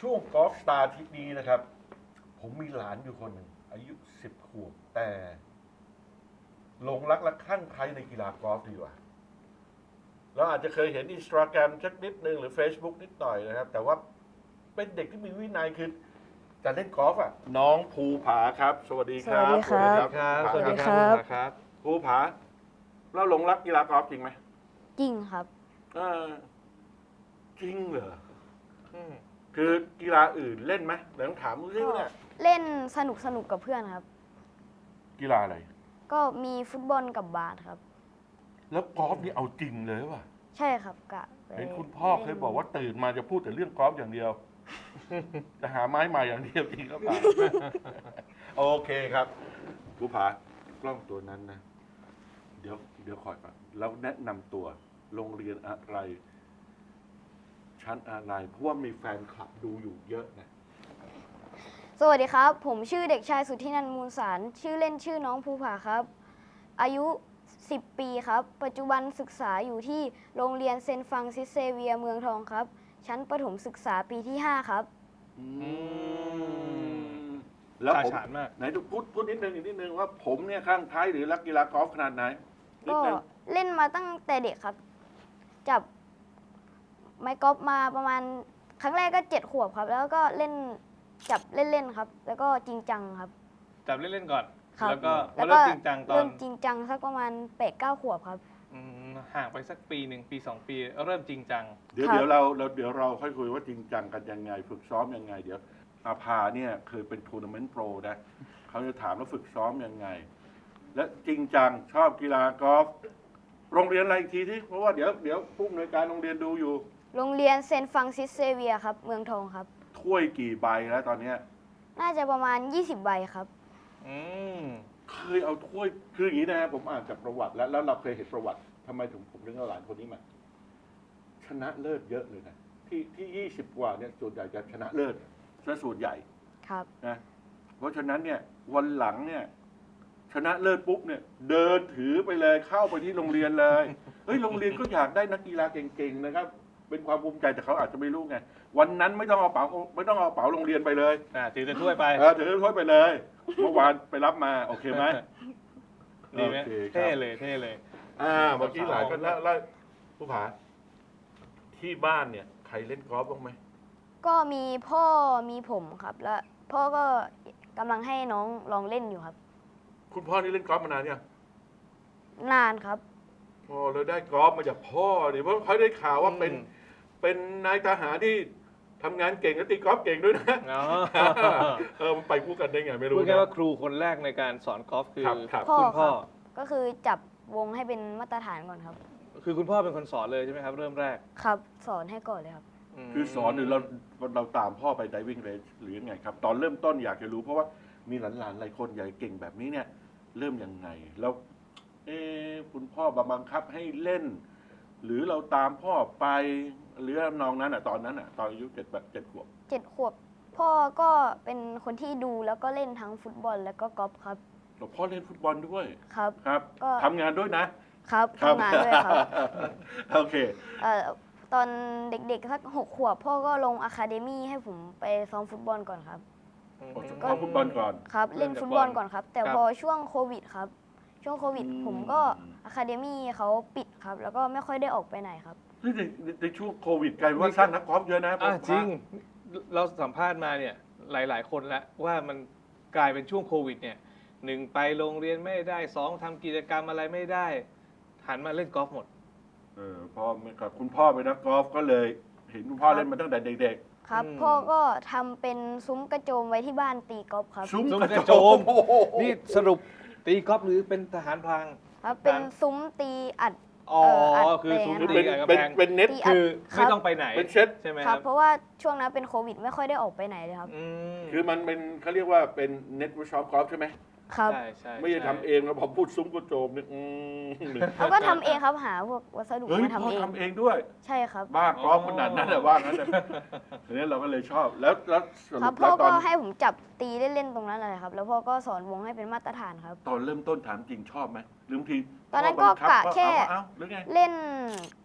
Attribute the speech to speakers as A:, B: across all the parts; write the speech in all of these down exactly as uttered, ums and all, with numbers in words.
A: ช่วงกอล์ฟสตาร์ทริปนี้นะครับ ผมมีหลานอยู่คนหนึ่งอายุสิบขวบแต่หลงรักและคลั่งไคล้ในกีฬากอล์ฟดีกว่าเราอาจจะเคยเห็นอินสตาแกรมสักนิดนึงหรือ Facebook นิดหน่อยนะครับ แต่ว่าเป็นเด็กที่มีวินัยคือจะเล่นกอล์ฟอ่ะน้องภูผาครับ สวัสดีครับ
B: สวัสดีครับ
A: สวัสดีค
B: ส
A: รับ
B: วัสดีครับ
A: ภูผาเราหลงรักกีฬากอล์ฟจริงไหม
B: จริงครับ
A: เออจริงเหรอ
C: อืม
A: คือกีฬาอื่นเล่นไหมเดี๋ยวต้องถามดูซิว่าเนี่ย
B: เล่นสนุกสนุกกับเพื่อนครับ
A: กีฬาอะไร
B: ก็มีฟุตบอลกับบาสครับ
A: แล้วกอล์ฟนี่เอาจริงเลยว่ะ
B: ใช่ครับกะไป
A: เห็นคุณพ่อเคยบอกว่าตื่นมาจะพูดแต่เรื่องกอล์ฟอย่างเดียว จะหาไม้ใหม่อย่างเดียวจริงก็เปล่า โอเคครับผู้ผากล้องตัวนั้นนะ เดี๋ยวเดี๋ยวคอยก่อนแล้วแนะนำตัวโรงเรียนอะไร ชั้นอะไรเพราะว่ามีแฟนคลับดูอยู่เยอะนะ
B: สวัสดีครับ ผมชื่อเด็กชายสุทธินันท์มูลสาร ชื่อเล่นชื่อน้องภูผาครับ อายุ สิบ ปีครับ ปัจจุบันศึกษาอยู่ที่โรงเรียนเซนต์ฟรังซิสเซเวียร์เมืองทองครับ ชั้นประถมศึกษาปีที่ ห้า ครับ
A: อืมแล้ว
C: ฉา
A: ผม
C: ฉานมาก
A: ไหนดูพูดพูดนิดนึงอีกนิดนึงว่าผมเนี่ยข้างท้ายหรือรักกีฬากอล์ฟขนาดไหนนิด
B: ก็
A: นึง
B: เล่นมาตั้งแต่เด็กครับ จับไม้กอล์ฟมาประมาณครั้งแรกก็เจ็ดขวบครับ แล้วก็เล่นจับเล่นๆครับ แล้วก็จริงจังครับ
C: จับเล่นๆก่อน
B: ครับ
C: แล้วก็
B: แล้
C: มาว
B: ก็
C: เริ่มจริงจังตอ
B: เริ่
C: น
B: มจริงจังสักประมาณแปดเก้าขวบครับ
C: อืมห่างไปสักปีหนึ่งปีสองปี เริ่มจริงจัง
A: เดี๋ยว
B: ครับ
A: เดี๋ยวเราเราเดี๋ยวเราค่อยคุยว่าจริงจังกันยังไง ฝึกซ้อมยังไง เดี๋ยวอาภาเนี่ยเคยเป็นทัวร์นาเมนต์โปรนะเขาจะถามว่าฝึกซ้อมยังไง และจริงจังชอบกีฬากอล์ฟโรงเรียนอะไรอีกทีที่เพราะว่าเดี๋ยวเดี๋ยวผู้อำนวยการโรงเรียนดูอยู่
B: โรงเรียนเซนต์ฟรังซิสเซเวียร์ครับ เมืองทองครับ
A: ถ้วยกี่ใบแล้วตอนเนี้ย
B: น่าจะประมาณยี่สิบใบครับ
C: อืม
A: เคยเอาถ้วยคืออย่างนี้นะผมอ่านจากประวัติแล้วแล้วเราเคยเห็นประวัติทำไมถึงผมถึงเอาหลานคนนี้มา ชนะเลิศเยอะเลยนะที่ที่ยี่สิบกว่าเนี่ยส่วนใหญ่จะชนะเลิศซะส่วนใหญ่
B: ครับ
A: นะเพราะฉะนั้นเนี่ยวันหลังเนี่ย ชนะเลิศปุ๊บเนี่ย เดินถือไปเลยเข้าไปที่โรงเรียนเลยเฮ้ยโรงเรียนก็อยากได้นักกีฬาเก่งๆนะครับ เป็นความภูมิใจแต่เขาอาจจะไม่รู้ไงวันนั้นไม่ต้องเอาเป๋าไม่ต้องเอาเป๋าโรงเรียนไปเลย
C: อ่าถือจะถ้วยไป
A: เออถือถ้วยไปเลยเมื่อวานไปรับมาโอเคไหม
C: ดีไหม
A: โอเคครับ
C: เท่เลยเท่เลย
A: อ่าเมื่อกี้หลายคนแล้วแล้วผู้ผาที่บ้านเนี่ยใครเล่นกอล์ฟบ้างไหม
B: ก็มีพ่อมีผมครับ แล้วพ่อก็กำลังให้น้องลองเล่นอยู่ครับ
A: คุณพ่อนี่เล่นกอล์ฟมานานยัง
B: นานครับ
A: พอเราได้กอล์ฟมาจากพ่อเนี่ยเพราะเขาได้ข่าวว่าเป็น
C: อืม
A: เป็นนายทหารที่ทำงานเก่งและตีกอล์ฟเก่งด้วยนะ
C: อ๋อ
A: เออมันไปคู่กันได้ไงไม่รู้
C: พูดแค่
A: นะ
C: ว่าครูคนแรกในการสอนกอล์ฟคือ
A: ครับครับ
B: พ่อ
C: คุณพ่อ
B: ครับ ก็คือจับวงให้เป็นมาตรฐานก่อนครับ
C: คือคุณพ่อเป็นคนสอนเลยใช่ไหมครับ เริ่มแรก
B: ครับ สอนให้ก่อนเลยครับ
C: ม
A: คือสอนหรือเราเราตามพ่อไปไดวิ่งเรนหรือยังไงครับ ตอนเริ่มต้นอยากจะรู้เพราะว่ามีหลานๆหลายคนใหญ่เก่งแบบนี้เนี่ย เริ่มยังไงแล้วเอ๊ะคุณพ่อบังคับให้เล่น หรือเราตามพ่อไปหรือน้องนั้นอ่ะตอนนั้นอ่ะตอนอายุเจ็ดแบบเจ็ดขวบ
B: เจ็ดขวบ พ่อก็เป็นคนที่ดูแล้วก็เล่นทั้งฟุตบอลแล้วก็กอล์ฟครับ
A: แล้วพ่อเล่นฟุตบอลด้วย
B: ครับ
A: ครับ
B: ก็
A: ทำงานด้วยนะครับ
B: ทำงานด้วยครับ
A: โอเค
B: เอ่อตอนเด็กๆสักหกขวบ พ่อก็ลงอะคาเดมี่ให้ผมไปซ้อมฟุตบอลก่อนครับ
C: อืม
A: ก็ฟุตบอลก่อน
B: ครับ
C: เริ่
B: เล่
C: ม
B: น
C: จาก
B: ฟุตบอล
C: บอล
B: ก่อนครับ แต่
C: ครับ
B: พอช่วงโควิดครับ ช่วงโควิด
A: อืม
B: ผมก็อะคาเดมี่เขาปิดครับ แล้วก็ไม่ค่อยได้ออกไปไหนครับ
A: เฮ้ยในในในช่วงโควิดกลายเป็นว่าสร้างนักกอล์ฟเยอะนะ
C: อ่ะ
A: ผม
C: จริง เราสัมภาษณ์มาเนี่ยหลาย ๆ คนแล้วว่ามันกลายเป็นช่วงโควิดเนี่ยหนึ่งไปโรงเรียนไม่ได้สองทำกิจกรรมอะไรไม่ได้ หันมาเล่นกอล์ฟหมด
A: เออพ่อกับคุณพ่อเป็นนักกอล์ฟก็เลย เห็นคุณพ่อเล่นมาตั้งแต่เด็ก
B: ครับ
C: อืม
B: พ่อก็ทำเป็นซุ้มกระโจมไว้ที่บ้านตีกอล์ฟครับ
A: ๆซุ้ม
C: ซุ้ม
A: ก
C: ก
A: ระ
C: ระ
A: โจ
C: โจ
A: ม
C: ม
A: โอ้โห
C: นี่สรุปตีกอล์ฟหรือเป็นทหารพราง
B: ครับเป็น
C: ครับ
B: ซุ้มตีอัด
C: อ๋อ
B: เอ่ออัด
C: คือซุ้ม
A: คือ
C: ตี
A: เป็น
C: กับ
A: เป็น
C: กำแพง
A: เป็นเน็ต
B: ตี
C: คือ
B: ครับ
C: ไม่ต้องไปไหน
A: เป็นเช็ด
C: ใช่ไหม
B: ค
C: ค
B: รั
C: รั
B: บบ เพราะว่าช่วงนั้นเป็นโควิดไม่ค่อยได้ออกไปไหนเลยครับ
C: อืม
A: คือมันเป็นเขาเรียกว่าเป็นเน็ตเวิร์กช็อปกอล์ฟใช่ไหม
B: ครับ
C: ใช่ใช่
A: ไม่ได้ทำเองแล้วพอพูดซุ้มกระโจมเนี่ยอืม
B: แล้วก็ทำเองครับหาพวกวัสดุ
A: เฮ้ย
B: มา
A: พ่อ
B: ทำเอง
A: ทำเองด้วย
B: ใช่ครับ
A: บ้ากอล์ฟขนาดนั้นแต่ว่างั้นแต่ทีนี้เราก็เลยชอบแล้วแล้วส
B: ครั
A: รุ
B: บ
A: ป
B: พ่
A: แล้
B: อ
A: วต
B: ก็
A: อน
B: ให้ผมจับตีเล่นๆตรงนั้นเลยครับ แล้วพ่อก็สอนวงให้เป็นมาตรฐานครับ
A: ตอนเริ่มต้นถามจริงชอบไหมหรือบางที
B: ตอนนั้น
A: พ่
B: ก็
A: บังคับ
B: กะ
A: ว่า
B: แค่
A: เอาเอาหรือไง
B: เล่น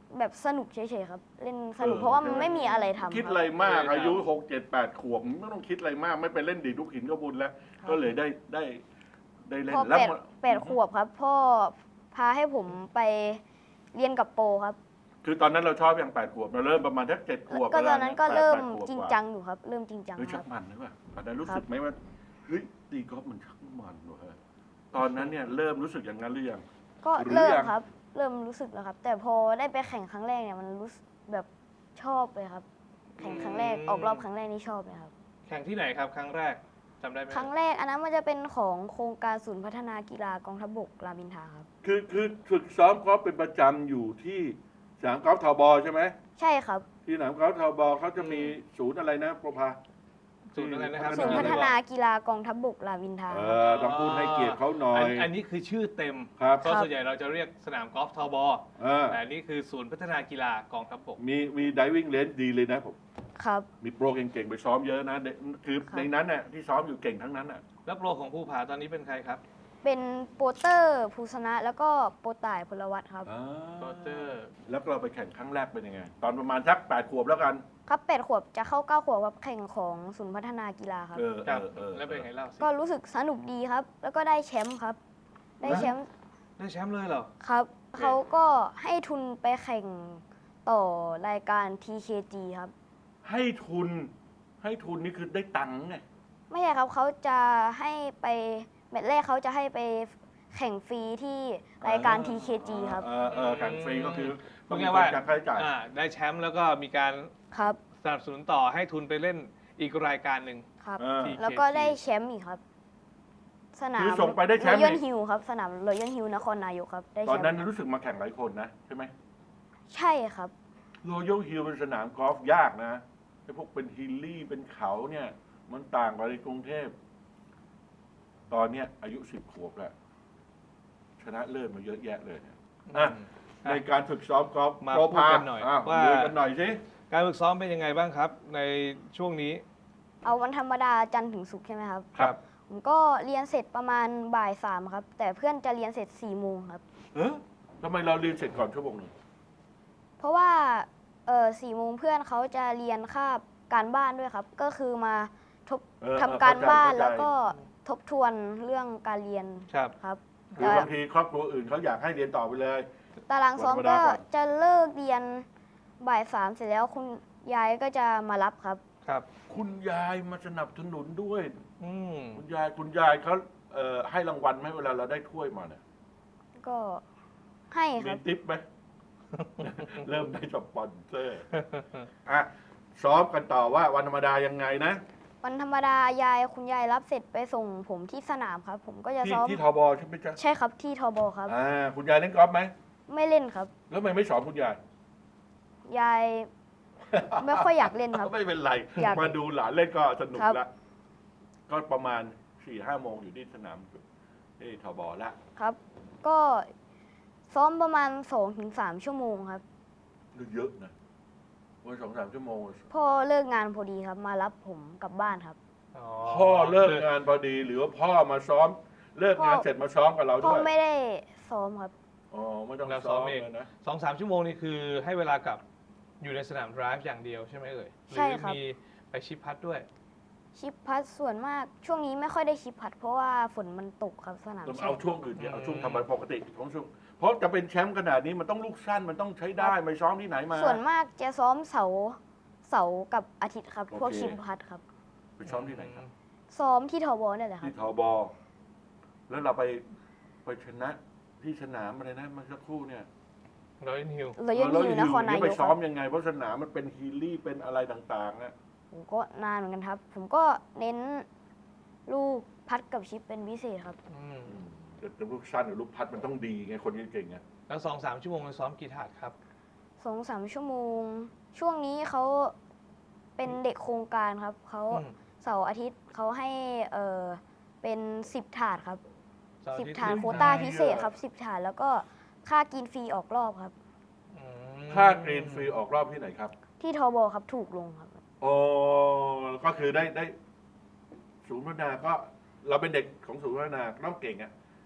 B: แบบสนุกเฉยๆครับ เล่นสนุกเพราะว่ามันไม่มีอะไรทำ
A: คิด
B: ค
A: อะไร
B: รับ
A: มาก
C: ไม่ได้ทำ
A: อายุหกเจ็ดแปดขวบไม่ต้องคิดอะไรมาก ไม่ไปเล่นดีดลูกหินก็บุญแล้ว
B: ครับ
A: ก็เลยได้ได้ได้เล่น
B: พอ
A: แล้ว
B: แปด
A: มัน
B: แปดขวบครับ พ่อพาให้ผมไปเรียนกับโปรครับ
A: คือตอนนั้นเราชอบอย่างแปดขวบเราเริ่มประมาณทักเจ็ดขวบ
B: ก็ตอนนั้นก็
A: แปด
B: เริ่ม
A: แปดขวบ
B: จริง
A: กว่า
B: จังอยู่ครับ เริ่มจริงจัง
A: เฮ้ย
B: ค
A: ชั
B: รั
A: ก
B: บ
A: มันหรือเปล่าตอนนั้นรู้
B: ครับ
A: สึกไหมว่าเฮ้ยตีกอล์ฟมันชักมันว่ะตอนนั้นเนี่ยเริ่มรู้สึกอย่างนั้นหรือยัง
B: ก็
A: หรือ
B: เริ่ม
A: ยัง
B: ครับ เริ่มรู้สึกแล้วครับ แต่พอได้ไปแข่งครั้งแรกเนี่ยมันรู้สึกแบบชอบเลยครับ แข่งครั้งแรก
C: อืม
B: ออกรอบครั้งแรกนี่ชอบเลยครับ
C: แข่งที่ไหนครับ ครั้งแรกจำได้ไหม
B: ครั้งแรกอันนั้นมันจะเป็นของโครงการศูนย์พัฒนากีฬากองทัพบกรามอินทราครับ
A: คือคือฝึกซ้อมกอล์ฟเป็นประจำอยู่ที่สนามกอล์ฟทบใช่ไหม
B: ใช่ครับ
A: ที่สนามกอล์ฟทบเขาจะมีศูนย์อะไรนะประภา
C: ศูนย์อะไรนะครับ
B: ศูนย์พัฒนากีฬากองทัพบกรามอินทรา
A: เออต้องพูดให้เกียรติเขาหน่อย
C: นอันนี้คือชื่อเต็ม
A: ครับ
C: เพราะส่วนใหญ่เราจะเรียกสนามกอล์ฟทบ
A: เออ
C: แต่อันนี้คือศูนย์พัฒนากีฬากองทัพบก
A: มีมีดิวิ่งเลนดีเลยนะผม
B: ครับ
A: มีโปรเก่งๆไปซ้อมเยอะนะเด็กคือ
B: ครับ
A: ในนั้นน่ะที่ซ้อมอยู่เก่งทั้งนั้นน่ะ
C: แล้วโปรของภูผาตอนนี้เป็นใครครับ
B: เป็นโปรเตอร์ภูสนะแล้วก็โปรต่ายพลวัตครับ
C: โรเจอร์
A: แล้วเราไปแข่งครั้งแรกเป็นยังไง ตอนประมาณสักแปดขวบแล้วกัน
B: ครับแปดขวบจะเข้าเก้าขวบกับแข่งของศูนย์พัฒนากีฬาครับ
A: เออ
C: ครับ
A: เออเออ
C: แล้วเป็นไงเล่าสิ
B: ก็รู้สึกสนุกดีครับ แล้วก็ได้แชมป์ครับ ได้แชมป์
C: ได้แชมป์เลยเหรอ
B: ครับ เขาก็ให้ทุนไปแข่งต่อรายการ ที เค จี ครับ
A: ให้ทุน ให้ทุนนี่คือได้ตังค์ไง
B: ไม่ใช่ครับเขาจะให้ไปแมตช์แรกเขาจะให้ไปแข่งฟรีที่รายการ ที เค จี ครับ
A: เออเออแข่งฟรีก็คือ
C: พู
A: ต้อ
C: ด
A: งมี
C: ง่าย
A: ค
C: ว่าน
A: จ่ายค่าใช้จ่าย
C: อ่าได้แชมป์แล้วก็มีการ
B: ครับ
C: สนับสนุนต่อให้ทุนไปเล่นอีกรายการหนึ่ง
B: ครับ
A: เออ
C: ที
B: แล้วก็ได้แชมป์อีกครับ สนาม
A: คือส่งไปได้แชมป์
B: รอยัล
A: อีก
B: ฮิลครับ สนามรอยัลฮิลนครนายกครับ ได้
A: ต
B: แช
A: อน
B: ม
A: นั้น
B: ป์
A: รู้สึกมาแข่งหลายคนนะใช่ไหม
B: ใช่ครับ
A: โรยัลฮิลเป็นสนามกอล์ฟยากนะไอ้พวกเป็นฮิลลี่เป็นเขาเนี่ย มันต่างกับในกรุงเทพ ตอนเนี้ยอายุสิบขวบแล้ว ชนะเลิศมาเยอะแยะเลยเนี่ยอ่ะ
C: อืม
A: ในการฝึกซ้อมกอล์ฟ
C: มา
A: โปร
C: พูด
A: พา
C: กันหน่อย
A: อ่ะ
C: ว่า
A: ดูกันหน่อยสิ
C: การฝึกซ้อมเป็นยังไงบ้างครับ ในช่วงนี้
B: เอาวันธรรมดาจันทร์ถึงศุกร์ใช่ไหมครับ
C: ครับ
B: ผมก็เรียนเสร็จประมาณบ่ายสามครับ แต่เพื่อนจะเรียนเสร็จสี่โมงครับ
A: เออทำไมเราเรียนเสร็จก่อนชั่วโมงหนึ่ง
B: เพราะว่าเออสี่โมงเพื่อนเขาจะเรียนคาบการบ้านด้วยครับ ก็คือมาทบ
A: เออ
B: ทำการบ้าน
A: เข้ใจ
B: แล้วก็ทบทวนเรื่องการเรียน
C: ครับ
B: ครับ
A: คือบางทีครอบครัวอื่นเขาอยากให้เรียนต่อไปเลย
B: ตารางซ้อม
A: วันธรรมดา
B: ก็
A: ก่อน
B: จะเลิกเรียนบ่ายสามเสร็จแล้วคุณยายก็จะมารับครับ
C: ครับ
A: คุณยายมาสนับสนุนด้วย
C: อืม
A: คุณยายคุณยายเขาเอ่อให้รางวัลไหมเวลาเราได้ถ้วยมาเนี่ย
B: ก็ให้ค
A: มี
B: รับ
A: ทิปไหม เริ่มได้สปอนเซอร์อ่ะซ้อมกันต่อว่าวันธรรมดายังไงนะ
B: วันธรรมดายายคุณยายรับเสร็จไปส่งผมที่สนามครับ ผมก็จะ
A: ที่
B: ซ้อม
A: ที่ทบใช่ไหมจ๊ะ
B: ใช่ครับที่ทบครับ
A: อ่าคุณยายเล่นกอล์ฟไหม
B: ไม่เล่นครับ
A: แล้วทำไมไม่สอนคุณยาย
B: ยาย ไม่ค่อยอยากเล่นครับ
A: ไม่เป็นไร
B: อยาก
A: มาดูหลานเล่นก็สนุก
B: ครับ
A: ละก็ประมาณสี่ห้าโมงอยู่ที่สนามที่ทบละ
B: ครับ ก็ซ้อมประมาณสองถึงสามชั่วโมงครับ
A: เยอะนะวันสองสามชั่วโมง
B: พ่อเลิกงานพอดีครับ มารับผมกลับบ้านครับ
A: พ่อเลิกงานพอดี หรือว่าพ่อมาซ้อม เลิกงาน
B: พ่อ
A: เสร็จมาซ้อมกับเรา
B: พ่
A: ด้
B: อ
A: วย
B: ไม่ได้ซ้อมครับ
A: อ๋อไม่ต้อง
C: เราซ้
A: ซ้
C: อ
A: อ
C: ม
A: ม
C: เอง
A: เลยนะ
C: สองสามชั่วโมงนี่คือให้เวลากับอยู่ในสนาม drive อย่างเดียวใช่ไหมเอ่ยห
B: ใช่
C: รือ
B: ครับ
C: มีไปชิปพัดด้วย
B: ชิปพัดส่วนมากช่วงนี้ไม่ค่อยได้ชิปพัด เพราะว่าฝนมันตกครับสนาม
A: ต้อง
B: แข่
A: เอา
B: ง
A: ช่วงอื่นเดี๋ยวเอาช่วงทำไปปกติของช่วงเพราะจะเป็นแชมป์ขนาดนี้มันต้องลูกสั้นมันต้องใช้ได้ไม่ซ้อมที่ไหนมา
B: ส่วนมากจะซ้อมเสาร์เสาร์กับอาทิตย์ครับ
A: โอเค
B: พวกชิปพัดครับ
A: ไปซ้อมที่ไหนครับ
B: ซ้อมที่ทบเนี่ยแหละครั
A: ที่
B: บ
A: ทบแล้วเราไปไปชนะที่สนามอะไรนะเมื่อสักครู่เนี่ย
C: ร้อยนิว
B: เรายังอยู่นครนาย
A: ไป
B: กค
A: ซ้อ
B: รั
A: ม
B: บ
A: ยังไงเพราะสนามมันเป็นฮีลี่เป็นอะไรต่างๆนะ
B: ผมก็นานเหมือนกันครับ ผมก็เน้นลูกพัดกับชิปเป็นพิเศษครับ
C: อืม
A: แต่ลูกสั้นหรือลูกพัดมันต้องดีไงคนเก่งๆไง
C: แล้วสองสามชั่วโมงเราซ้อมกี่ถาดครับ
B: สองสามชั่วโมง ช่วงนี้เขาเป็นเด็กโครงการครับ เขา
C: อืม
B: เสาร์อาทิตย์เขาให้เออเป็นสิบถาดครับ
C: เสร์อ
B: สิบ
C: ทิตย์
B: ถาด
C: สิบ
B: โควต้าพิเศษครับสิบถาดแล้วก็ค่ากินฟรีออกรอบครับ
C: อืม
A: ค่ากรีนฟรีออกรอบที่ไหนครับ
B: ที่ทบครับถูกลงครับ
A: โอ้ก็คือได้ได้ศูนย์พัฒนาก็เราเป็นเด็กของศูนย์พัฒนาต้องเก่งอะ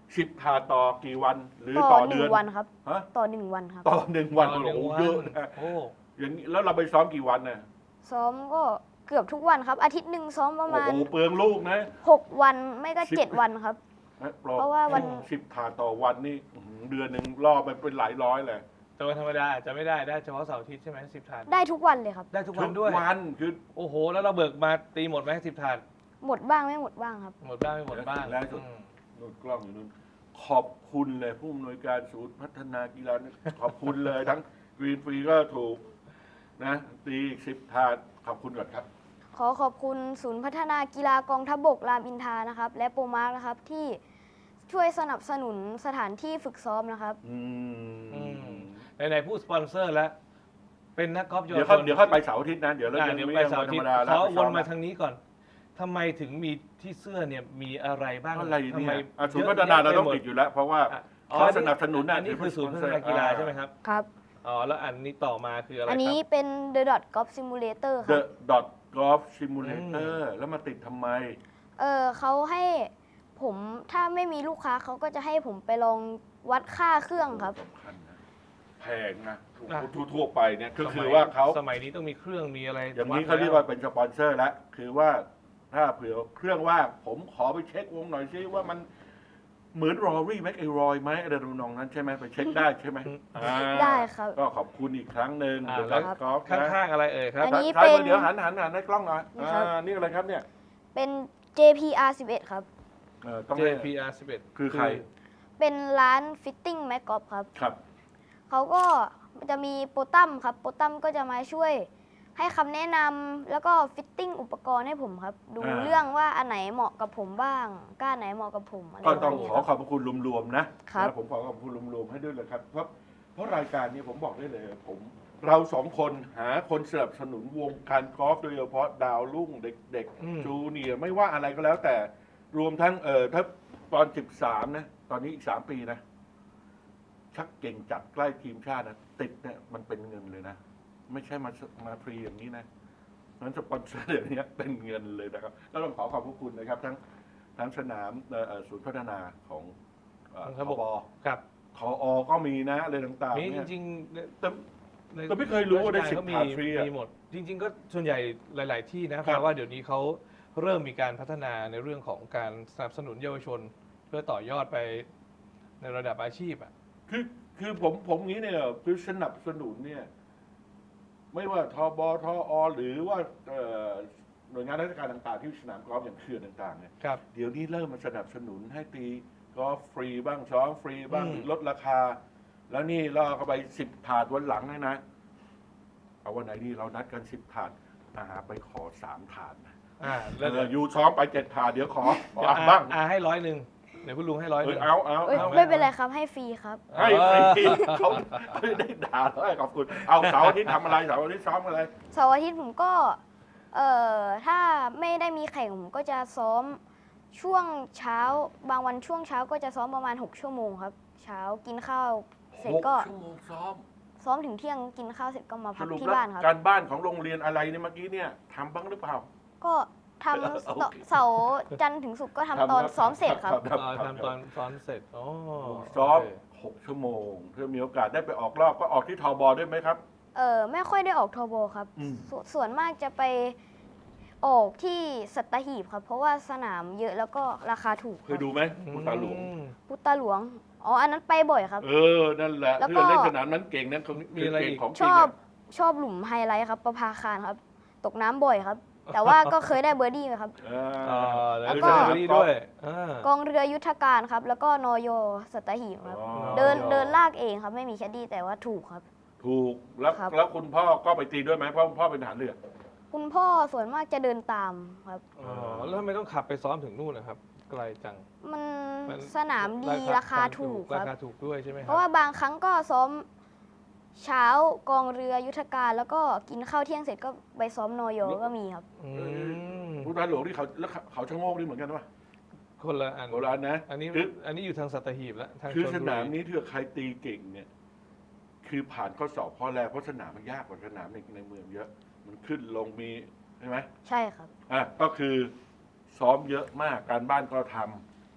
A: สิบถาดต่อกี่วันหรือ
B: ต่
A: ต่
B: อ
A: อ
B: ห
A: เดื
B: นึ่
A: อน
B: งวันครับ
A: ฮะ
B: ต่อหนึ่งวันครับ
A: ต่อหนึ่งวัน
C: ต่อหนึ่ง
A: โอ้โห
C: วัน
A: เยอะนะ
C: โอ้
A: อย่างนี้แล้วเราไปซ้อมกี่วันน่ะ
B: ซ้อมก็เกือบทุกวันครับ อาทิตย์หนึ่งซ้อมประ
A: โอ้
B: มาณ
A: โหเปลืองลูกนะ
B: หกวันไม่ก็
A: สิบ
B: เจ็ดวันครับ
A: นะ
B: เพราะว่าวัน
A: สิบถาดต่อวันนี่อื้อหือเดือนหนึ่งล่อไปเป็นหลายร้อยเลย
C: แต่วันธรรมดาอาจจะไม่ได้ได้เฉพาะเสาร์อาทิตย์ใช่ไหมสิบถาด
B: ได้ทุกวันเลยครับ
C: ได้ทุกวันด้วย
A: ทุกวันคือ
C: โอ้โห แล้วเราเบิกมาตีหมดไหมสิบถาด
B: หมดบ้างไม่หมดบ้างครับ
C: หมดบ้างไม่หมดบ้าง
A: แล้วสุด
C: อืม
A: นู่นกล้องอยู่นู่นขอบคุณเลยผู้อำนวยการศูนย์พัฒนากีฬาเนี่ยขอบคุณเลยทั้งกรีนฟรีก็ถูกนะตีอีกสิบถาดขอบคุณก่อนครับ
B: ขอขอบคุณศูนย์พัฒนากีฬากองทัพบกรามอินทรานะครับ และโปรมาร์คนะครับที่ช่วยสนับสนุนสถานที่ฝึกซ้อมนะครับ
A: อื
C: อื
A: ม
C: ม ไหนๆพูดสปอนเซอร์แล้ว เป็นนักกอล์ฟเยาว
A: เดี๋ยว
C: ช
A: ค่อย
C: น
A: เดี๋ยวค่อยไปเสาร์อาทิตย์นะ เดี๋ยวเรา
C: อ่า
A: ยัง
C: เดี๋ยว
A: ไม่
C: ไป
A: ยัง
C: เสาร์
A: วัน
C: อา
A: ธร
C: ทิต
A: รม
C: ย์
A: ดาแล้ว
C: เขา
A: ไป
C: ว
A: ซ้อน ม
C: มา
A: นะ
C: ทางนี้ก่อนทำไมถึงมีที่เสื้อเนี่ยมีอะไรบ้าง
A: อะไร
C: ทำ
A: เนี่
C: ไม
A: ยอ่ะศูนย์พัฒนาเราต้องติดอยู่แล้ว เพราะว่า
C: อ่ะ
A: เขาสนับสนุน
C: อันนี้คือศูนย์พัฒนากีฬาใช่ไหมครับ
B: ครับ
C: อ๋อ แล้วอันนี้ต่อมาคืออะไรค
B: อั
C: รั
B: นนี้
C: บ
B: เป็น The Dot Golf Simulator ค
A: The
B: รับ
A: Dot Golf Simulator แล้วมาติดทำไม
B: เออเขาให้ผมถ้าไม่มีลูกค้าเขาก็จะให้ผมไปลองวัดค่าเครื่องครับ
A: สำคัญนะแพงนะ
C: อ่ะ
A: ทั่วๆไปเนี่ยก็คือ
C: สมัย
A: ว่าเขา
C: สมัยนี้ต้องมีเครื่องมีอะไร
A: อย่างนี้
C: ด
A: เขาเรียกว่าเป็นสปอนเซอร์แล้ว คือว่าถ้าเผื่อเครื่องว่างผมขอไปเช็ควงหน่อยซิว่ามันเหมือนรอรี่แม็กไอรอยไหมอะไรทำนองนั้นใช่ไหมไปเช็คได้ใช่ไหมอ่า
B: ได้ครับ
A: ก็ขอบคุณอีกครั้งหนึ่ง
C: อ่า
A: เดอะ
C: แล้ว
A: กอล์ฟ
C: ข้
A: นะ
C: างๆอะไรเอ่ยครับ
B: อันนี้
A: ซ้ายมือ
B: เป็น
A: เดี๋ยวหันหันหันให้กล้องหน่อย
B: นี่ครับ
A: อ่านี่อะไรครับเนี่ย
B: เป็น เจ พี อาร์ สิบเอ็ด ครับ
A: เออต้อง
C: เจ
A: ให้
C: พี อาร์ สิบเอ็ด
A: คือใคร
B: เป็นร้านฟิตติ้งแม็กกอล์ฟครับ
A: ครับ
B: เขาก็จะมีโปรตัมครับ โปรตัมก็จะมาช่วยให้คำแนะนำแล้วก็ฟิตติ้งอุปกรณ์ให้ผมครับ ดู
A: อ่า
B: เรื่องว่าอันไหนเหมาะกับผมบ้างก้านไหนเหมาะกับผมอะไร
A: ก็
B: ประ
A: ต้
B: มา
A: อ
B: ณ
A: ง
B: นี้
A: ขอ
B: ครับ
A: ขอบพระคุณรวมๆนะครับ นะผมขอขอบคุณรวมๆให้ด้วยเลยครับเพราะเพราะรายการนี้ผมบอกได้เลยผม เราสองคนหาคนสนับสนุนวงการกอล์ฟโดยเฉพาะดาวรุ่งเด็ก
C: อืม
A: ๆจูเนียร์ไม่ว่าอะไรก็แล้วแต่รวมทั้งเออถ้าตอนสิบสามนะตอนนี้อีกสามปีนะ ชักเก่งจัดใกล้ทีมชาตินะติดเนี่ยมันเป็นเงินเลยนะ ไม่ใช่มามาฟรีอย่างนี้นะนั้นสปอนเซอร์เดี๋ยวนี้เป็นเงินเลยนะครับแล้วต้องขอขอบพระคุณนะครับ ทั้งทั้งสนามเอ่อเอ่อศูนย์พัฒนาของเอ่อ
C: ของ
A: ท
C: ทบ
A: บ
C: ครับ
A: ทอก็มีนะอะไรต่างๆ
C: มีจ
A: เนี่ย
C: ริงๆ
A: แต่
C: ใน
A: แต่ไม่เคยรู้ว่าได้
C: รชก
A: สิบ
C: ก็มี
A: ถาดฟรีอะ
C: มีหมด จริง ๆ ก็ส่วนใหญ่หลาย ๆ ที่นะ
A: ค
C: เพ
A: รับ
C: ราะว่าเดี๋ยวนี้เขาเริ่มมีการพัฒนาในเรื่องของการสนับสนุนเยาวชน เพื่อต่อยอดไปในระดับอาชีพอ่ะ
A: คือคือผมผมงี้เนี่ยคือสนับสนุนเนี่ย ไม่ว่าทบทอหรือว่าเอ่อหน่วยงานราชการต่างๆ ที่สนามกอล์ฟอย่างเขื่อนต่างๆเนี่ย
C: ครับ
A: เดี๋ยวนี้เริ่มมาสนับสนุนให้ตีกอล์ฟฟรีบ้างซ้อมฟรีบ้าง
C: อืม
A: หรือลดราคา แล้วนี่ล่อเข้าไปสิบถาดวันหลังเลยนะ เอาวันไหนดีเรานัดกันสิบถาดอาหาไปขอสามถาดนะ
C: อ่า
A: เอ
C: แล้วเดี๋
A: อ
C: ยว
A: อยู่ซ้อมไปเจ็ดถาดเดี๋ยวขอขอ
C: เดี๋ยว
A: อ่ะ
C: อา
A: บ้าง
C: อาให้ร้อยหนึ่งเดี๋ยวคุณลุงให้ร้อย
A: เอ
C: หนึ่
A: อง เอาเอา
B: เอ้ย
A: เอา
B: ไม่เป็นไรครับให้ฟรีครับ
A: ให้ฟรีเขาไม่ได้ด่าเลยขอบคุณเอาเสาร์อาทิตย์ทำอะไรเสาร์อาทิตย์ซ้อมอะไร
B: เสาร์อาทิตย์ผมก็เอ่อถ้าไม่ได้มีแข่งผมก็จะซ้อมช่วงเช้า บางวันช่วงเช้าก็จะซ้อมประมาณหกชั่วโมงครับ เช้ากินข้าวเสร็จก็
A: หชั่วโมงซ้อม
B: ซ้อมถึงเที่ยงกินข้าวเสร็จก็มา
A: ส
B: พัก
A: รุป
B: ที่
A: แล้ว
B: บ้านครับ
A: การบ้านของโรงเรียนอะไรเนี่ยเมื่อกี้เนี่ยทำบ้างหรือเปล่า
B: ก็ท
A: โอ
B: ำ
A: เค
B: เสาร์จันทร์ถึงศุกร์ก็ทำตอนซ้อมเสร็จครับ
C: อ่าทำตอนซ้อมเสร็จอ๋อ
A: ซ้อม
C: โเค
A: หกชั่วโมงเพื่อมีโอกาสได้ไปออกรอบก็ออกที่ทบด้วยไหมครับ
B: เออไม่ค่อยได้ออกโทโบครับ
A: อืม
B: สส่วนมากจะไปออกที่สัตหีบครับ เพราะว่าสนามเยอะแล้วก็ราคาถูก
A: เคยดูไหมพุทธาหลวง
C: อืม
B: พุทธาหลวง อ๋อ อันนั้นไปบ่อยครับ
A: เออ นั่นแหละ
B: แล้วก็
A: เพื่อนเล่นสนามนั้นเก่งนะเขา
C: มีอะไรอีก
A: เก่งของจ
B: ช
A: ริง
B: อบ
A: อะ
B: ชอบหลุมไฮไลท์ครับ ประภาคารครับ ตกน้ำบ่อยครับ แต่ว่าก็เคยได้เบอร์ดี้ครับ
A: เอ
C: อ่า
A: อ
C: แล้ว
B: แล้ว
C: ก็
B: ก็
C: นี่ด้วยอ่าก
B: องเรือยุทธการครับ แล้วก็นอยสัตหีบครับ
A: อ๋อ
B: เดินเดินลากเองครับ ไม่มีแคดดี้แต่ว่าถูกครับ
A: ถูกแล้ว
B: ครับ
A: แล้วคุณพ่อก็ไปตีด้วยไหมเพราะคุณพ่อเป็นทหารเรือ
B: คุณพ่อส่วนมากจะเดินตามครับ
C: อ๋อแล้วทำไมต้องขับไปซ้อมถึงนู่นนะครับ ไกลจัง
B: มัน
C: มัน
B: สนามดีราคาถูกค
C: รา
B: รับ
C: คาถูกด้วยใช่ไหมค
B: เพ
C: รับ
B: ราะว่าบางครั้งก็ซ้อมเช้ากองเรือยุทธการ แล้วก็กินข้าวเที่ยงเสร็จก็ไปซ้อมนอยก็มีครับ
C: อืม
A: พุทธาหลวงที่เขาแล้วเขาเขาชะโงกนี่เหมือนกันปะ
C: คนละอัน
A: โบราณนะ
C: อันนี้
A: คือ
C: อันนี้อยู่ทางสัตหีบแล้วทาง
A: คือ
C: ชลบุรี
A: สนามนี้ถ้าใครตีเก่งเนี่ย คือผ่านข้อสอบข้อแรกเพราะสนามมันยากกว่าสนามในในเมืองเยอะ มันขึ้นลงมีใช่ไหม
B: ใช่ครับ
A: อ่ะก็คือซ้อมเยอะมากการบ้านก็ท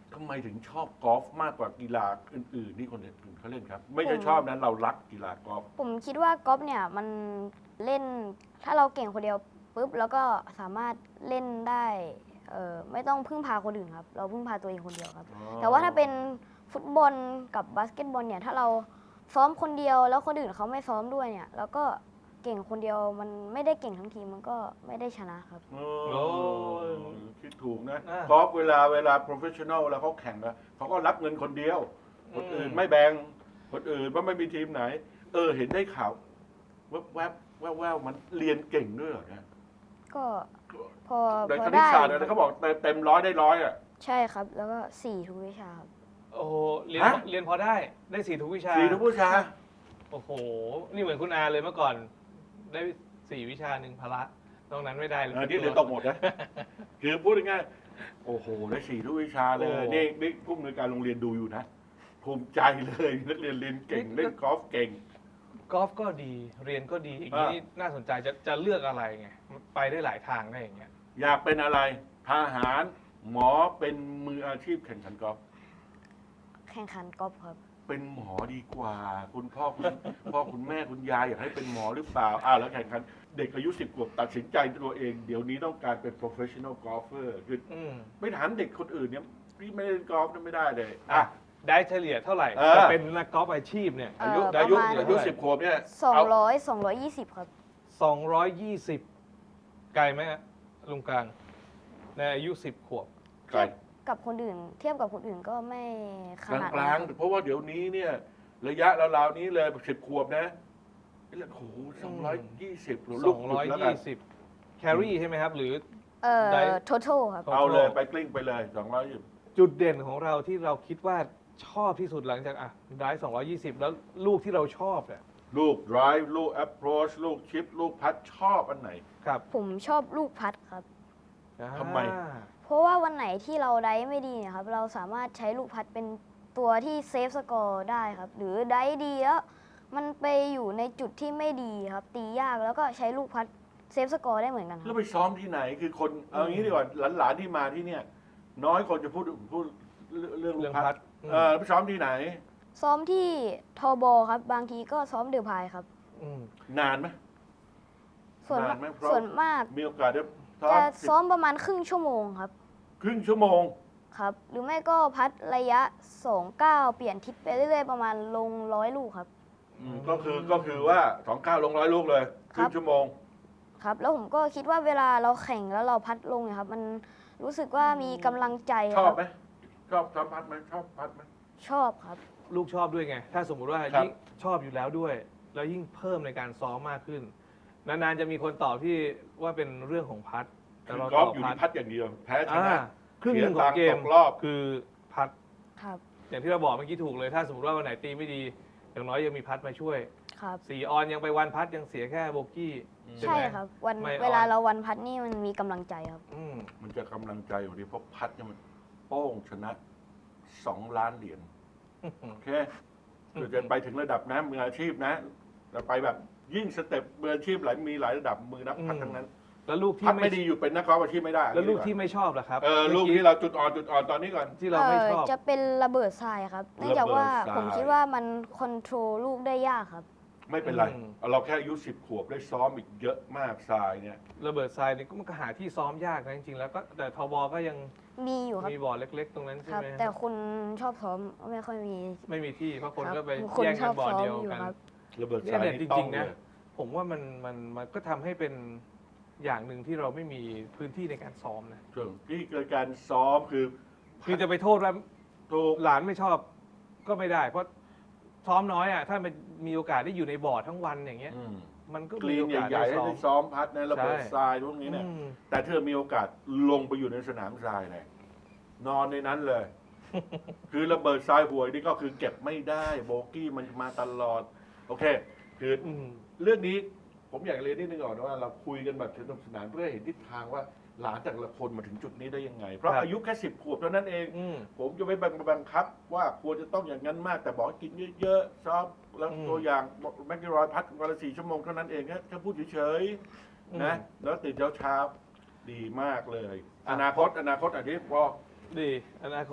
A: ทำไมถึงชอบกอล์ฟมากกว่ากีฬาอื่นๆที่คนอื่นเขาเล่นครับ ไม่ใช่
B: ผม
A: ชอบนะเรารักกีฬากอล์ฟ
B: ผมคิดว่ากอล์ฟเนี่ยมันเล่นถ้าเราเก่งคนเดียวปุ๊บแล้วก็สามารถเล่นได้เอ่อไม่ต้องพึ่งพาคนอื่นครับ เราพึ่งพาตัวเองคนเดียวครับ แต่ว่าถ้าเป็นฟุตบอลกับบาสเกตบอลเนี่ยถ้าเราซ้อมคนเดียวแล้วคนอื่นเขาไม่ซ้อมด้วยเนี่ยแล้วก็เก่งคนเดียวมันไม่ได้เก่งทั้งทีมมันก็ไม่ได้ชนะครับ
A: โอ้
C: โอ้
A: คิดถูกนะ
C: อ่ะ
A: กอล์ฟเวลาเวลา professional แล้วเขาแข่งกันเขาก็รับเงินคนเดียว คนอื่น
C: อืม
A: ไม่แบ่งคนอื่นว่าไม่มีทีมไหน เออ เห็นได้ข่าวแวบแวบแวบแวบมันเรียนเก่งด้วยเหรอเนี่ย
B: ก็พอ
A: ใน
B: พ
A: ค
B: อ
A: ณิต
B: ได้
A: ศาสตร์อะไรเขาบอกเต็มเต็มร้อยได้ร้อยอ่ะ
B: ใช่ครับ แล้วก็สี่ทุกวิชาครับ
C: โอ้โหเรียน
A: ฮะ
C: เรียนพอได้ได้สี่ทุกวิชา
A: สี่ทุกผู้ชาย
C: โอ้โห นี่เหมือนคุณอาเลยเมื่อก่อน ได้สี่วิชาหนึ่งพละนอกนั้นไม่ได้เลย
A: เออที่เหลือตกหมดนะ คือพูดง่ายๆโอ้โห ได้สี่ทุกวิชาเลย
C: โอ้
A: นี่นี่ผู้อำนวยการโรงเรียนดูอยู่นะ ภูมิใจเลยนักเรียนเรียนเก่ง เล่นกอล์ฟเก่ง
C: กอล์ฟก็ดีเรียนก็ดีอย่างนี้นี่น่าสนใจจะจะเลือกอะไรไงไปได้หลายทางได้อย่างเงี้ย
A: อยากเป็นอะไรทหาร หมอเป็นมืออาชีพแข่งขันกอล์ฟ
B: แข่งขันกอล์ฟครับ
A: เป็นหมอดีกว่า คุณพ่อคุณ พ่อคุณแม่คุณยายอยากให้เป็นหมอหรือเปล่าอ้าวแล้วแข่งขันเด็กอายุสิบขวบตัดสินใจตัวเอง เดี๋ยวนี้ต้องการเป็น professional golfer คือ
C: อืม
A: ไม่ถามเด็กคนอื่นเนี่ยพี่ไม่เล่นกอล์ฟเนี่ยไม่ได้เลยอ่ะ
C: ได้เฉลี่ยเท่าไหร่
A: เออ
C: จะเป็นนักกอล์ฟอาชีพเนี่ย
B: เอ่
A: อา
B: อ
A: ยุ
B: ประ
A: อายุ
B: มาณ
A: อายุสิบขวบเนี่ย
B: สอง
A: เอา
B: ร้อยสองร้อยยี่สิบครับ
C: สองร้อยยี่สิบไกลไหมฮะลุงกลางในอายุสิบขวบ
A: ไกล
B: กับคนอื่น เทียบกับคนอื่นก็ไม่ข
A: กลาง
B: นาด
A: ก
B: นั้
A: ลาง
B: นครับ
A: เพราะว่าเดี๋ยวนี้เนี่ยระยะราวๆนี้เลยสิบขวบนะโอ้โหสองร้อยยี่สิบ
C: ส
A: ลู
C: อก ง
A: หยุ
C: ร้อ
A: ด
C: ย
A: แล้วกั
C: ยี่
A: น
C: สิบแครี่ใช่ไหมครับ หรือ
B: เอ่อ
C: ได้
B: total ครับ
A: เอาเลยไปกลิ้งไปเลยสองร้อยยี่สิบ
C: จุดเด่นของเราที่เราคิดว่าชอบที่สุดหลังจากอ่ะได้สองร้อยยี่สิบแล้วลูกที่เราชอบเนี่ย
A: ลูก drive ลูก approach ลูกชิป ลูกพัดชอบอันไหน
C: ครับ
B: ผมชอบลูกพัดครับ
A: ทำไม
C: อ่า
B: เพราะว่าวันไหนที่เราได้ไม่ดีเนี่ยครับ เราสามารถใช้ลูกพัดเป็นตัวที่เซฟสกอร์ได้ครับ หรือได้ดีแล้วมันไปอยู่ในจุดที่ไม่ดีครับ ตียากแล้วก็ใช้ลูกพัดเซฟสกอร์ได้เหมือนกันค
A: แล้
B: รั
A: ว
B: บ
A: ไปซ้อมที่ไหนคือคนเอางี้ดีกว่าหลานๆที่มาที่เนี่ย น้อยคนจะพูดพูดเรื่องลู
C: เรื่อก ง
A: พั
C: พั
A: ด
C: ด
A: เออแล้วไปซ้อมที่ไหน
B: ซ้อมที่ทอบอครับ บางทีก็ซ้อมเดือพายครับ
C: ม
A: นานไหม
B: ส่วน
A: นานไหมเพราะ
B: ส่วนมาก
A: มีโอกาสได้ซ้อ
B: จะ
A: ม
B: ซ้อมประมาณครึ่งชั่วโมงครับ
A: ครึ่งชั่วโมง
B: ครับ หรือไม่ก็พัดระยะสองเก้าเปลี่ยนทิศไปเรื่อยๆประมาณลงร้อยลูกครับ
A: อืมก็คือก็คือว่าสองเก้าลงร้อยลูกเลยค
B: ครั
A: รึ่
B: บ
A: งชั่วโมง
B: ครับ แล้วผมก็คิดว่าเวลาเราแข่งแล้วเราพัดลงเนี่ยครับ มันรู้สึกว่ามีกำลังใจ
A: ช
B: ค
A: อบ
B: รับ
A: ไหมชอบซ้อมพัดไหมชอบพัดไหม
B: ชอบครับ
C: ลูกชอบด้วยไง ถ้าสมมุติว่า
A: ครับ
C: ยิ่งชอบอยู่แล้วด้วย แล้วยิ่งเพิ่มในการซ้อมมากขึ้น นานๆจะมีคนตอบที่ว่าเป็นเรื่องของพัด แต่
A: คื
C: เรา
A: อก
C: ต
A: อ
C: อ
A: ล์ฟ
C: บ
A: อยู่
C: พัด
A: ที่พัดอย่างเดียว แพ้ช
C: อ่า
A: นะ
C: ครึ่งหนึ่งของเกม
A: เสียตังค์ตกรอบ
C: คือพัด
B: ครับ
C: อย่างที่เราบอกเมื่อกี้ถูกเลย ถ้าสมมติว่าวันไหนตีไม่ดี อย่างน้อยยังมีพัดมาช่วย
B: ครับ
C: สี่ออนยังไปวันพัดยังเสียแค่โบกี้
B: ใช่
C: ไหม
B: ครับ วัน
C: ไม่อ่อน
B: เวลาเราวันพัดนี่มันมีกำลังใจครับ
C: อืม
A: มันจะกำลังใจอยู่ดีเพราะพัดเนี่ยมันโป้งชนะสองล้านเหรียญโอเคเดี๋ยวจะไปถึงระดับนะมืออาชีพนะจะไปแบบยิ่งสเต็ปมืออาชีพหลายมีหลายระดับมือนักพัดทั้งนั้น
C: แล้วลูกที่
A: พัด
C: ไม่
A: ไม่ดีอยู่เป็นนักกอล์ฟอาชีพไม่ได้
C: แล้วลูกที่ไม่ชอบล่ะครับ
A: เออลูก
C: มื่
A: ที่เราจุดอ่อนจุดอ่อนตอนนี้ก่อน
C: ที่เราไม่ชอบ
B: จะเป็นระเบิดทรายครับ เนื่องจากว่า
A: ระเบิดทราย
B: ผมคิดว่ามันคอนโทรลลูกได้ยากครับ
A: ไม่เป็นไร
C: อืม
A: เราแค่อายุสิบขวบได้ซ้อมอีกเยอะมากทรายเนี่ย
C: ระเบิดทรายนี่ก็มันก็หาที่ซ้อมยากนะจริงๆแล้วก็แต่ทบอก็ยัง
B: มีอยู่ครับ
C: มีบ่อเล็ก ๆ ตรงนั้น
B: ค
C: ใช่
B: รับ
C: ไหม
B: แต่คุณชอบซ้อมไม่ค่อยมี
C: ไม่มีที่เพราะคน
B: รับ
C: ก็ไป
B: คน
C: แย่ง
B: ช
C: กั
B: อน บ
C: บ่อ
B: ซ้อม
C: เดียว
B: อยู่
C: กัน
B: ครับ
A: ระเบิดท
C: เนี่
A: ราย ย
C: เนี่ย
A: นี่
C: จ
A: ต้อ
C: ริ
A: ง
C: งๆ
A: เล
C: นะ
A: ย
C: ผมว่ามันมันมันก็ทำให้เป็นอย่างหนึ่งที่เราไม่มีพื้นที่ในการซ้อมนะ
A: ส่วนที่เกิดการซ้อมคือ
C: คือจะไปโทษว่า
A: ถูก
C: หลานไม่ชอบก็ไม่ได้ เพราะซ้อมน้อยอ่ะถ้ามันมีโอกาสได้อยู่ในบ่อทั้งวันอย่างเงี้ย
A: อืม
C: มันก็
A: ก
C: มี
A: รีน
C: โอกาส
A: ใหญ่
C: ได้
A: ๆให้
C: ซ้อม
A: ได้ซ้อมพัดนะระเบิด
C: ใช่
A: ทรายพวกนี้เนี่ย
C: อืม
A: แต่เธอมีโอกาสลงไปอยู่ในสนามทรายเลยนอนในนั้นเลย คือระเบิดทรายหวยนี่ก็คือเก็บไม่ได้โบกี้มันมาตลอด โอเค คือ
C: อืม
A: เรื่องนี้ผมอยากเรียนนิดนึงก่อนว่าเราคุยกันแบบสนุกสนานเพื่อเห็นทิศทางว่าหลานแต่ละคนมาถึงจุดนี้ได้ยังไง เพราะ
C: ครับ
A: อายุแค่สิบขวบเท่านั้นเอง
C: อืม
A: ผมจะไม่บังคับว่าควรจะต้องอย่างนั้นมาก แต่บอกให้กินเยอะๆซ้อมแล้ว
C: อืม
A: ตัวอย่างแมกกิรอยพัดวันละสี่ชั่วโมงเท่านั้นเองแค่แค่พูดเฉย
C: อืม
A: ๆนะแล้วตื่นเช้าๆดีมากเลย
C: อ่ะ
A: อนาคตอนาคตอันนี้พอ
C: ดีอนาคต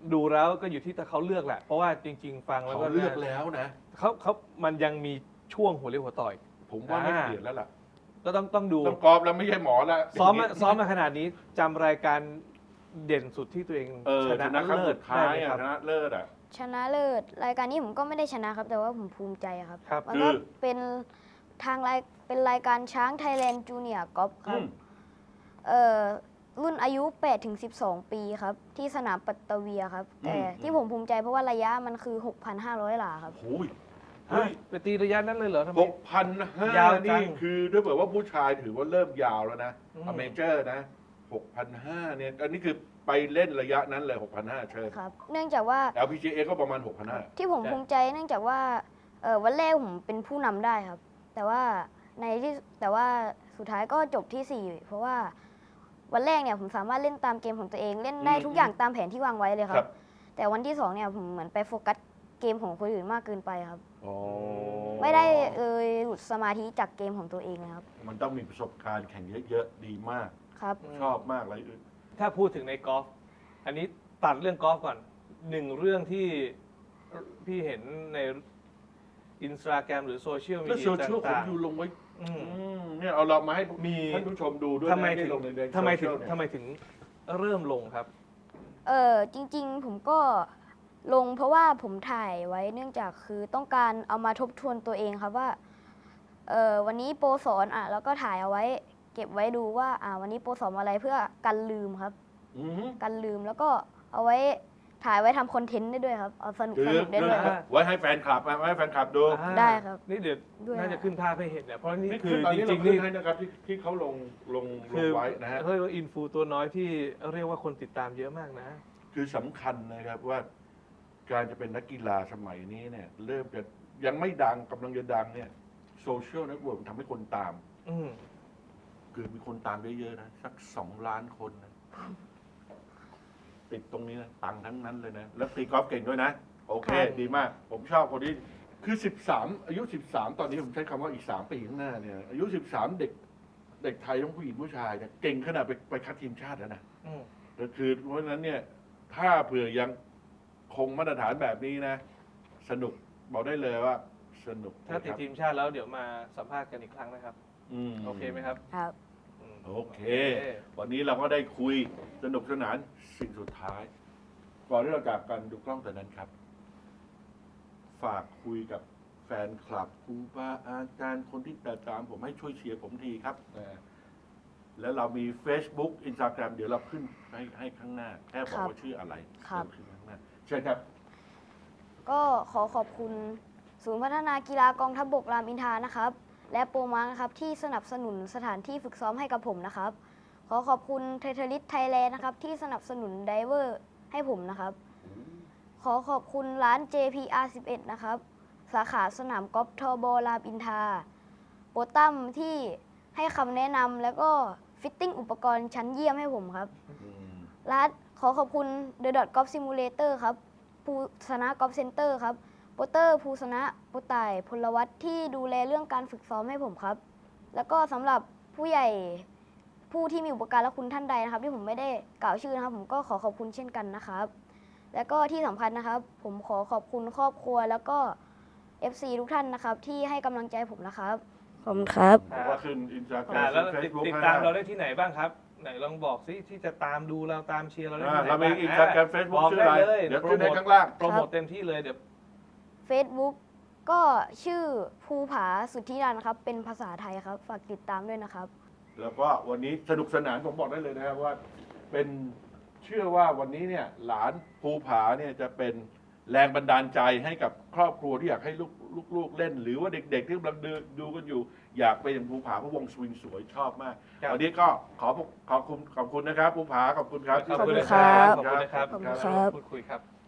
C: ดูแล้วก็อยู่ที่แต่เขาเลือกแหละ เพราะว่าจริง ๆ ฟังแล้ว
A: เขา
C: ก็
A: เลือกแล้วนะ
C: เขาเขามันยังมีช่วงหัวเรียวหัวต่อย
A: ผมว่าไม่
C: อ่า
A: เปลี่ยนแล้วล่ะ
C: ก็ต้องต้องดู
A: ต้องกรอบแล้วไม่ใช่หมอแล้ว
C: ซ้อมมาซ้อมมาขนาดนี้จำรายการเด่นสุดที่ตัวเอง
A: เออ
C: ช
A: ช
C: นะ
A: นะครั้ง
C: เลิ
A: สุ
C: ศ
A: ดท้า
C: ได้
A: ย
C: ไหม
A: อะ
C: ครับ
A: ชนะเลิศอ่ะ
B: ชนะเลิศรายการนี้ผมก็ไม่ได้ชนะครับ แต่ว่าผมภูมิใจครับ
C: ครับ
B: มันก็
A: คือ
B: เป็นทางรายเป็นรายการช้างไทยแลนด์จูเนียร์กอล์ฟค
A: อื
B: รับ
A: ม
B: เอ่อรุ่นอายุแปดถึงสิบสอง ปีครับ ที่สนามปัตตะเวียครับ แต่ที่ผมภูมิใจเพราะว่าระยะมันคือ หกพันห้าร้อย หลาครับ
A: โอ้ย
C: เฮ้ยไปตีระยะนั้นเลยเหรอทำไม
A: หกพันห้าย
C: าวจัง
A: นี่คือถ้าเกิดว่าผู้ชายถือว่าเริ่มยาวแล้วนะ
C: อืม
A: อเมเจอร์นะหกพันห้าเนี่ย อันนี้คือไปเล่นระยะนั้นเลยหกพันห้าเชิญ
B: ครับ เนื่องจากว่า
A: แอล พี จี เอ ก็ประมาณหกพันห้า
B: ที่ผมภูมิใจเนื่องจากว่าเออวันแรกผมเป็นผู้นำได้ครับ แต่ว่าในที่แต่ว่าสุดท้ายก็จบที่สี่เพราะว่าวันแรกเนี่ยผมสามารถเล่นตามเกมของตัวเองเล่นได้
A: อืม
B: ทุกอย่างตามแผนที่วางไว้เลยค
A: ครั
B: รับ
A: บ
B: แต่วันที่สองเนี่ยผมเหมือนไปโฟกัสเกมของคนอื่นมากเกินไปครับ
A: อ๋อ
B: ไม่ได้เลยหลุดสมาธิจากเกมของตัวเองนะครับ
A: มันต้องมีประสบการณ์แข่งเยอะๆ ดีมาก
B: ครับ
A: ชอบมากเลยอึด
C: ถ้าพูดถึงในกอล์ฟอันนี้ตัดเรื่องกอล์ฟก่อนหนึ่งเรื่องที่พี่เห็นในอินสตาแกรมหรือโซเชียลมี
A: แล้ว
C: เดี
A: โซ
C: ย
A: เชียลผม
C: ต่าง
A: อยู่ลงไว้
C: ๆอืม
A: อืมเนี่ยเอาเรามาให้
C: มี
A: ท่านผู้ชมดูด้วย
C: ทำไม
A: นะ
C: ถึ
A: ที่
C: ง
A: ลงในใน
C: ทำไมถึง
A: โซเชียลเนี่ย
C: ทำไมถึงเริ่มลงครับ
B: เออจริงๆ ผมก็ลงเพราะว่าผมถ่ายไว้เนื่องจากคือต้องการเอามาทบทวนตัวเองครับว่าเออวันนี้โปรสอนอ่ะแล้วก็ถ่ายเอาไว้ เก็บไว้ดูว่าอ่าวันนี้โปรสอนอะไรเพื่อกันลืมครับ
A: อืม
B: กันลืมแล้วก็เอาไว้ถ่ายไว้ทำคอนเทนต์ได้ด้วยครับเอาสนุก
A: คือ
B: สนุกได้ด้วยครับ
A: ไว้ให้แฟนคลับไว้ให้แฟนคลับดู
C: อ่า
B: ได้ครับ
C: นี่เดี๋ยว
B: ด้วย
C: น่าจะขึ้นภาพให้เห็นเนี่ยเพราะนี่
A: นี่
C: คื
A: คือ
C: อ
A: ตอน
C: จ
A: นี้เรา
C: ริงๆ
A: ขึ้
C: นี่
A: นให้นะครับที่ที่เขาลงลงล
C: คื
A: ง
C: อ
A: ไว้นะฮะ
C: เรียกว่าอินฟูตัวน้อยที่เรียกว่าคนติดตามเยอะมากนะ
A: คือสำคัญนะครับว่าการจะเป็นนักกีฬาสมัยนี้เนี่ย เริ่มจะยังไม่ดังกำลังจะดังเนี่ยโซเชียลเน็ตเวิร์กทำให้คนตาม
C: อืม
A: คือมีคนตามเยอะๆนะ สักสองล้านคนนะติดตรงนี้นะตังค์ทั้งนั้นเลยนะ แล้วตีกอล์ฟเก่งด้วยนะ โอเค
B: ครับ
A: ดีมาก ผมชอบคนนี้คือสิบสามอายุสิบสามตอนนี้ผมใช้คำว่าอีกสามปีข้างหน้าเนี่ย อายุสิบสามเด็ก เด็กไทยทั้งผู้หญิงผู้ชายเนี่ยเก่งขนาดไปไปคัดทีมชาติแล้วนะ
C: อืม
A: ก็คือเพราะฉะนั้นเนี่ย ถ้าเผื่อยังคงมาตรฐานแบบนี้นะ สนุกบอกได้เลยว่า สนุก
C: ถ้าติด
A: นะครับ
C: ทีมชาติแล้วเดี๋ยวมาสัมภาษณ์กันอีกครั้งนะครับ
A: อืม
C: โอเคไหมครับ
B: ครับ
C: อืม
A: โอเค วันนี้เราก็ได้คุยสนุกสนานสิ่งสุดท้าย ก่อนที่เราจากกันดูกล้องแต่นั้นครับ ฝากคุยกับแฟนคลับครูบาอาจารย์คนที่ติดตามผมให้ช่วยเชียร์ผมทีครับนะแล้วเรามี Facebook Instagram เดี๋ยวเราขึ้นให้ให้ข้างหน้า แค่บอกว่าชื่ออะไร
B: ครับ
A: เดี๋ยวขึ้นข้างหน้าเชิญครับ
B: ก็ขอขอบคุณศูนย์พัฒนากีฬากองทัพบกรามอินทรานะครับ และโปรมาร์นะครับที่สนับสนุนสถานที่ฝึกซ้อมให้กับผมนะครับ ขอขอบคุณเทเทลิสไทยแลนด์นะครับที่สนับสนุนไดเวอร์ให้ผมนะครับ ขอขอบคุณร้าน เจ พี อาร์ สิบเอ็ด นะครับ สาขาสนามกอล์ฟทอบอรามอินทราโปรตัมที่ให้คำแนะนำแล้วก็ฟิตติ้งอุปกรณ์ชั้นเยี่ยมให้ผมครับ ร้านขอขอบคุณ The Dot Golf Simulator ครับภูสนะกอล์ฟเซ็นเตอร์ครับโปรเตอร์ภูสนะโปรต่ายพลวัตที่ดูแลเรื่องการฝึกซ้อมให้ผมครับ แล้วก็สำหรับผู้ใหญ่ผู้ที่มีอุปการะคุณท่านใดนะครับ ที่ผมไม่ได้กล่าวชื่อนะครับ ผมก็ขอขอบคุณเช่นกันนะครับ แล้วก็ที่สำคัญนะครับ ผมขอขอบคุณครอบครัวแล้วก็ เอฟ ซี ทุกท่านนะครับ ที่ให้กำลังใจผมนะครับขอบคุณครับ
A: ผมว่าขึ้นอินสตาแกร
C: อ่าม แล้ว
A: เฟ
C: ติ
A: ซ
C: ด
A: บุ๊ก
C: ติดตามเราได้ที่ไหนบ้างครับ ไหนลองบอกซิที่จะตามดูเราตามเชียร์เราได้ที่ไหน
A: เรา
C: บ้า
A: มี
C: ง
A: อินสตาแกรมเฟซบุ๊ก
C: บอก
A: ชื่ออะไร
C: ได้เลย
A: เดี๋ยว
C: โปร
A: ขึ้น
C: โม
A: ใน
C: ท
A: ข้างล่าง
C: โปรโมทเต็มที่เลยเดี๋ยว
B: Facebook ก็ชื่อภูผาสุทธิรันครับ เป็นภาษาไทยครับ ฝากติดตามด้วยนะครับ
A: แล้วก็วันนี้สนุกสนานผมบอกได้เลยนะครับว่าเป็นเชื่อว่าวันนี้เนี่ยหลานภูผาเนี่ยจะเป็นแรงบันดาลใจให้กับครอบครัวที่อยากให้ลูกลูกๆเล่น หรือว่าเด็กๆที่กำลังดูดูกันอยู่ อยากไปอย่างภูผาเพราะวงสวิงสวยชอบมาก
C: ครับ
A: วันนี้ก็ขอขอบคุณขอบคุณนะครับภูผาขอบคุณครับ
C: ขอบคุณ
B: ครั
C: นะครับ
B: บ
C: ขอบคุณนะครับ
B: ขอบคุณครับ
C: พูดคุยครับ